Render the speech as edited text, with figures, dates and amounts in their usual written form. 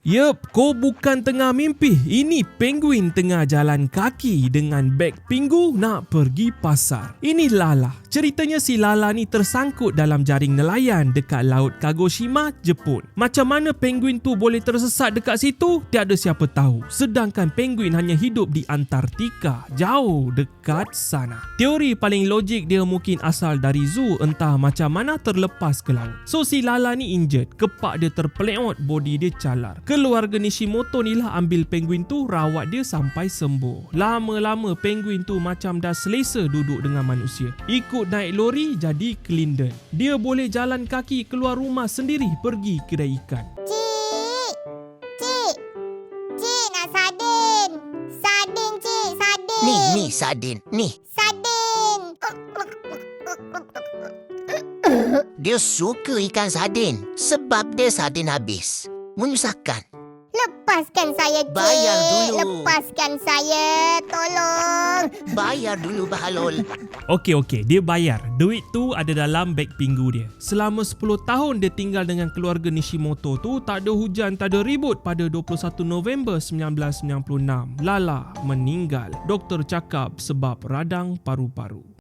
Yup, kau bukan tengah mimpi. Ini penguin tengah jalan kaki dengan beg Pingu nak pergi pasar. Ini Lala. Ceritanya si Lala ni tersangkut dalam jaring nelayan dekat Laut Kagoshima, Jepun. Macam mana penguin tu boleh tersesat dekat situ? Tiada siapa tahu. Sedangkan penguin hanya hidup di Antartika, jauh dekat sana. Teori paling logik dia mungkin asal dari zoo, entah macam mana terlepas ke laut. So si Lala ni injured, kepak dia terpeleot, body dia calar. Keluarga Nishimoto ni lah ambil penguin tu, rawat dia sampai sembuh. Lama-lama penguin tu macam dah selesa duduk dengan manusia. Ikut naik lori jadi Clinton. Dia boleh jalan kaki keluar rumah sendiri pergi kedai ikan. Cik nak sardin. Sardin cik, sardin. Ni sardin, ni. Sardin. Dia suka ikan sardin sebab dia sardin habis. Menyusahkan. Lepaskan saya cik. Bayar dulu. Lepaskan saya. Tolong. Bayar dulu Bahalul. Okey, dia bayar. Duit tu ada dalam beg Pingu dia. Selama 10 tahun dia tinggal dengan keluarga Nishimoto tu, tak ada hujan, tak ada ribut. Pada 21 November 1996, Lala meninggal. Doktor cakap sebab radang paru-paru.